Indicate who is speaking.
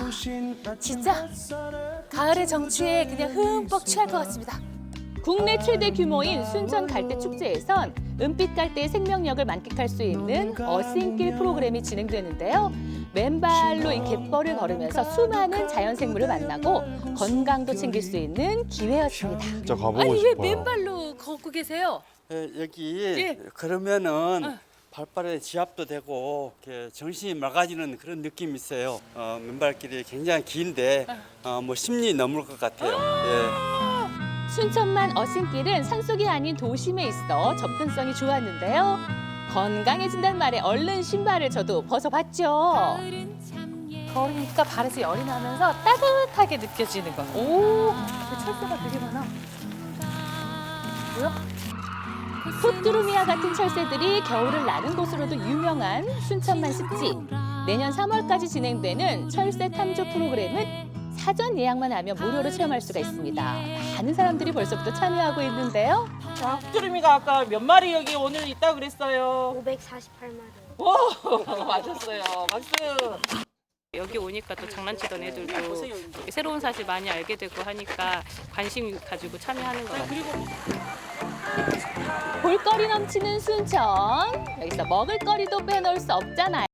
Speaker 1: 진짜 가을의 정취에 그냥 흠뻑 취할 것 같습니다.
Speaker 2: 국내 최대 규모인 순천 갈대 축제에선 은빛 갈대의 생명력을 만끽할 수 있는 어싱길 프로그램이 진행되는데요. 맨발로 이 갯벌을 걸으면서 수많은 자연 생물을 만나고 건강도 챙길 수 있는 기회였습니다.
Speaker 3: 진짜 가보고
Speaker 1: 아니 왜
Speaker 3: 싶어요.
Speaker 1: 맨발로 걷고 계세요?
Speaker 4: 여기
Speaker 1: 예.
Speaker 4: 그러면은 발발에 지압도 되고 이렇게 정신이 맑아지는 그런 느낌이 있어요. 맨발길이 굉장히 긴데 뭐 10리 넘을 것 같아요. 예.
Speaker 2: 순천만 어싱길은 산속이 아닌 도심에 있어 접근성이 좋았는데요. 건강해진다는 말에 얼른 신발을 저도 벗어봤죠.
Speaker 1: 걸으니까 발에서 열이 나면서 따뜻하게 느껴지는 거. 오, 철새가 되게 많아. 뭐야?
Speaker 2: 풋두루미와 같은 철새들이 겨울을 나는 곳으로도 유명한 순천만 습지. 내년 3월까지 진행되는 철새 탐조 프로그램은 사전 예약만 하면 무료로 체험할 수가 있습니다. 많은 사람들이 벌써부터 참여하고 있는데요.
Speaker 5: 자, 흑두루미가 아까 몇 마리 여기 오늘 있다 그랬어요?
Speaker 6: 548마리.
Speaker 5: 오, 맞았어요. 박수.
Speaker 7: 여기 오니까 또 장난치던 애들도 새로운 사실 많이 알게 되고 하니까 관심 가지고 참여하는 것 같아요.
Speaker 2: 볼거리 넘치는 순천. 여기서 먹을거리도 빼놓을 수 없잖아요.